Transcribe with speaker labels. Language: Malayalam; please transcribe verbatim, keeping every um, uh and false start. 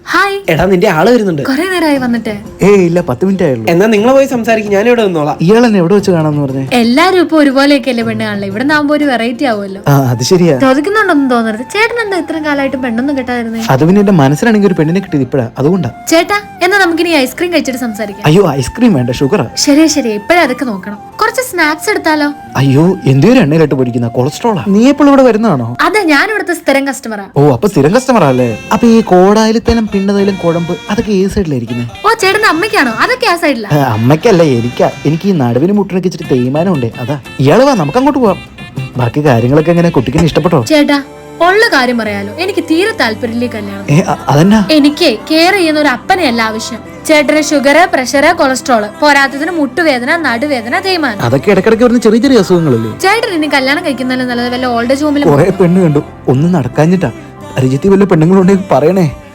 Speaker 1: ഹായ്.
Speaker 2: എടാ നിന്റെ ആള് വരുന്നുണ്ട്.
Speaker 1: കൊറേ നേരമായി വന്നിട്ട്.
Speaker 3: ഏയ് ഇല്ല, പത്ത് മിനിറ്റ് ആയുള്ളൂ.
Speaker 2: എന്നാ നിങ്ങൾ പോയി സംസാരിക്കും, ഞാൻ ഇവിടെ നിന്നോളാം.
Speaker 3: ഇയാൾ എന്നെ എവിടെ വെച്ച് കാണാന്ന് പറഞ്ഞേ?
Speaker 1: എല്ലാരും ഇപ്പൊ ഒരുപോലെയൊക്കെയല്ലേ പെണ്ണ് കാണില്ല, ഇവിടെ നാകുമ്പോ ഒരു വെറൈറ്റി ആവുമല്ലോ.
Speaker 3: ആ അത് ശരിയാ.
Speaker 1: ചോദിക്കുന്നുണ്ടൊന്നും തോന്നരുത്. ചേട്ടൻ എന്താ ഇത്രയും കാലമായിട്ട് പെണ്ണൊന്നും കിട്ടാതിരുന്നേ?
Speaker 3: അത് പിന്നെ എന്റെ മനസ്സിലാണെങ്കിൽ ഒരു പെണ്ണിനെ കിട്ടിയത് ഇപ്പഴാ, അതുകൊണ്ടാ.
Speaker 1: ചേട്ടാ എന്നാ നമുക്കിനി ഐസ്ക്രീം കഴിച്ചിട്ട് സംസാരിക്കാം.
Speaker 3: അയ്യോ ഐസ്ക്രീം വേണ്ട, ഷുഗറാ.
Speaker 1: ശരിയാ ശരിയാ, ഇപ്പഴേ അതൊക്കെ നോക്കണം. കുറച്ച് സ്നാക്സ് എടുത്താലോ?
Speaker 3: അയ്യോ എന്തോരം എണ്ണയിലിട്ട് പൊടിക്കുന്ന കൊളസ്ട്രോളാ. നീ എപ്പോഴും ഇവിടെ വരുന്നതാണോ?
Speaker 1: അതെ, ഞാൻ ഇവിടുത്തെ സ്ഥിരം കസ്റ്റമറാ.
Speaker 3: ഓ അപ്പൊ സ്ഥിരം കസ്റ്റമറാ അല്ലേ? അപ്പൊ ഈ കോടായിലത്തേലും പിണ്ടതയിലും കുഴമ്പ് അതൊക്കെ ഏത് സൈഡിലായിരിക്കുന്നത്?
Speaker 1: ഓ ചേട്ടന്റെ അമ്മയ്ക്കാണോ? അതൊക്കെ ആ സൈഡിലാ.
Speaker 3: അമ്മയ്ക്കല്ല, എനിക്കാ. എനിക്ക് ഈ നടുവിന് മുട്ടിനൊക്കെ ഇച്ചിരി തേയ്മാനം ഉണ്ട്, അതാ. ഇയാള് വാ, നമുക്ക് അങ്ങോട്ട് പോവാം. ബാക്കി കാര്യങ്ങളൊക്കെ എങ്ങനെ, കുട്ടിക്ക് ഇഷ്ടപ്പെട്ടോ?
Speaker 1: ചേട്ടാ ഉള്ള കാര്യം പറയാലോ, എനിക്ക് തീരെ താല്പര്യമില്ല കല്യാണം.
Speaker 3: ഏ അതെന്നാ?
Speaker 1: എനിക്ക് കെയർ ചെയ്യുന്ന ഒരു അപ്പനെയല്ല ആവശ്യം. ചേട്ടന് ഷുഗർ, പ്രഷർ, കൊളസ്ട്രോള്, പോരാത്തതിന് മുട്ടുവേദന, നടുവേദന, തേയ്മാനം.
Speaker 3: അതൊക്കെ ഇടക്കിടക്ക് വരുന്ന ചെറിയ ചെറിയ അസുഖങ്ങളല്ലേ?
Speaker 1: ചേട്ടൻ ഇനി കല്യാണം കഴിക്കുന്നതിന് നല്ലത് വല്ല ഓൾഡ് ഏജ് ഹോമിലും.
Speaker 3: കുറെ പെണ്ണ് കണ്ടു, ഒന്നും നടക്കാഞ്ഞിട്ടാ. പരിചയത്തിൽ വല്ല പെണ്ണുങ്ങളുണ്ടെങ്കിൽ പറയണേ.